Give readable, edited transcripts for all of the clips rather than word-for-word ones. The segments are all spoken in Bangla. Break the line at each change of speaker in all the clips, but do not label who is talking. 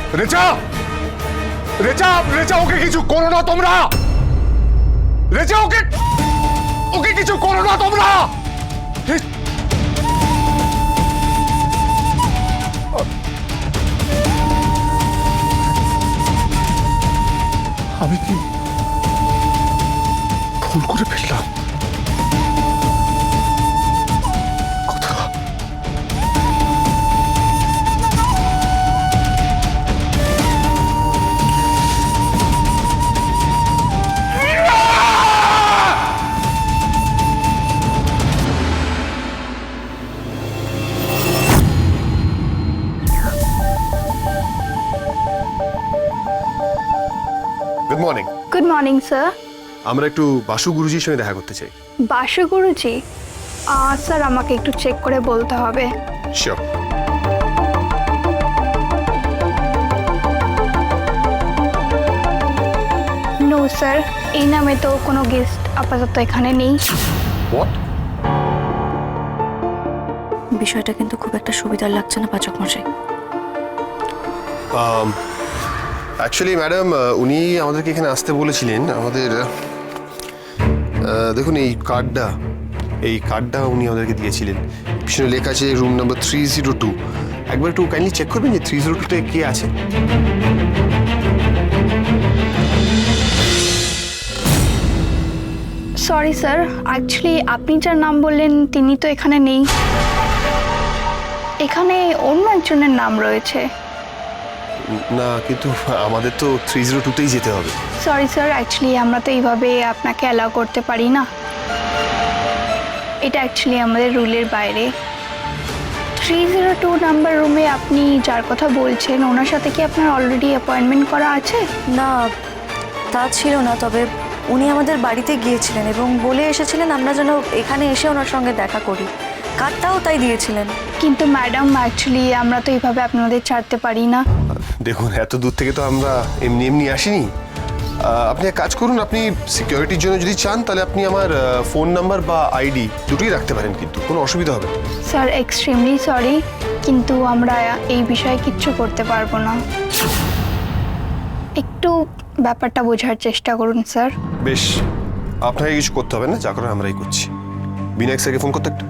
রেচা, রেচা, রেচা, ওকে কিছু করো না তোমরা। রেচা, ওকে ওকে কিছু করো না তোমরা। আমি কি ভুল করে ফেললাম? কথা good morning.
Good morning sir.
আমরা একটু বাসু গুরুজির সঙ্গে দেখা করতে চাই।
বাসু গুরুজি? স্যার আমাকে একটু চেক করে বলতে হবে।
শিওর।
নো স্যার, এই নামে তো কোনো গেস্ট আপাতত এখানে নেই।
হোয়াট?
বিষয়টা কিন্তু খুব একটা সুবিধার লাগছে না পাচক মশাই।
অ্যাকচুয়ালি ম্যাডাম, উনি আমাদেরকে এখানে আসতে বলেছিলেন। আমাদের দেখুন এই কার্ডটা উনি আমাদেরকে দিয়েছিলেন। পিছনে লেখা আছে রুম নাম্বার 302। একবার একটু কাইন্ডলি চেক করবেন যে 302-তে কে আছে।
সরি স্যার, অ্যাকচুয়ালি আপনি যার নাম বললেন তিনি তো এখানে নেই। এখানে অন্য একজনের নাম রয়েছে।
না, কিন্তু আমাদের তো 302-তেই যেতে হবে।
সরি স্যার, অ্যাকচুয়ালি আমরা তো এইভাবে আপনাকে অ্যালাউ করতে পারি না। এটা অ্যাকচুয়ালি আমাদের রুলের বাইরে। 302 নাম্বার রুমে আপনি যার কথা বলছেন ওনার সাথে কি আপনার অলরেডি অ্যাপয়েন্টমেন্ট করা আছে?
না, তা ছিল না, তবে উনি আমাদের বাড়িতে গিয়েছিলেন এবং বলে এসেছিলেন আমরা যেন এখানে এসে ওনার সঙ্গে দেখা করি। কার্ডটাও তাই দিয়েছিলেন।
কিন্তু ম্যাডাম, অ্যাকচুয়ালি আমরা তো এইভাবে আপনাদের ছাড়তে পারি না।
দেখুন, এত দূর থেকে তো আমরা এমনি এমনি আসিনি। আপনি এক কাজ করুন, আপনি সিকিউরিটির জন্য যদি চান তাহলে আপনি আমার ফোন নাম্বার বা আইডি দুটোই রাখতে পারেন, কিন্তু কোনো অসুবিধা হবে না।
স্যার এক্সট্রিমলি সরি, কিন্তু আমরা এই বিষয়ে কিচ্ছু করতে পারবো না। একটু ব্যাপারটা বোঝার চেষ্টা করুন স্যার।
বেশ, আপনাকে কিছু করতে হবে না, যা করার আমরাই করছি। বিনায়ক স্যারকে ফোন করতে একটা।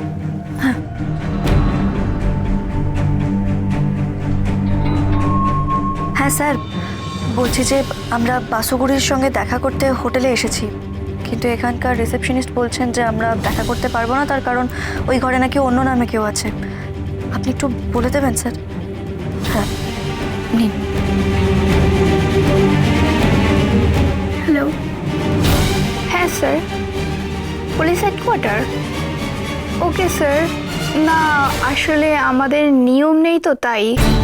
হ্যাঁ স্যার, বলছি যে আমরা বাসুগুরির সঙ্গে দেখা করতে হোটেলে এসেছি, কিন্তু এখানকার রিসেপশনিস্ট বলছেন যে আমরা দেখা করতে পারবো না, তার কারণ ওই ঘরে নাকি অন্য নামে কেউ আছে। আপনি একটু বলে দেবেন স্যার? হ্যাঁ, নিন।
হ্যালো। হ্যাঁ sir, police headquarter. Okay sir. না, আসলে আমাদের নিয়ম নেই তো, তাই।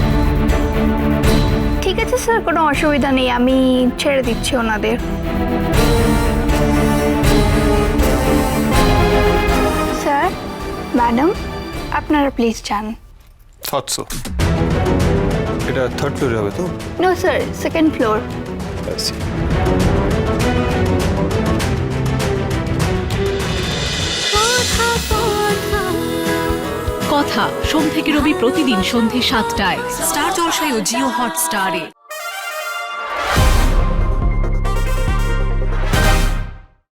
ঠিক আছে স্যার, কোনো অসুবিধা নেই, আমি ছেড়ে দিচ্ছি ওনাদের। স্যার, ম্যাডাম, আপনারা প্লিজ যান।
Thought so. এটা থার্ড ফ্লোরে হবে তো?
No sir, second floor.
কথা সোম থেকে রবি প্রতিদিন সন্ধে 7টায় স্টার জলসায় ও জিও হটস্টারে।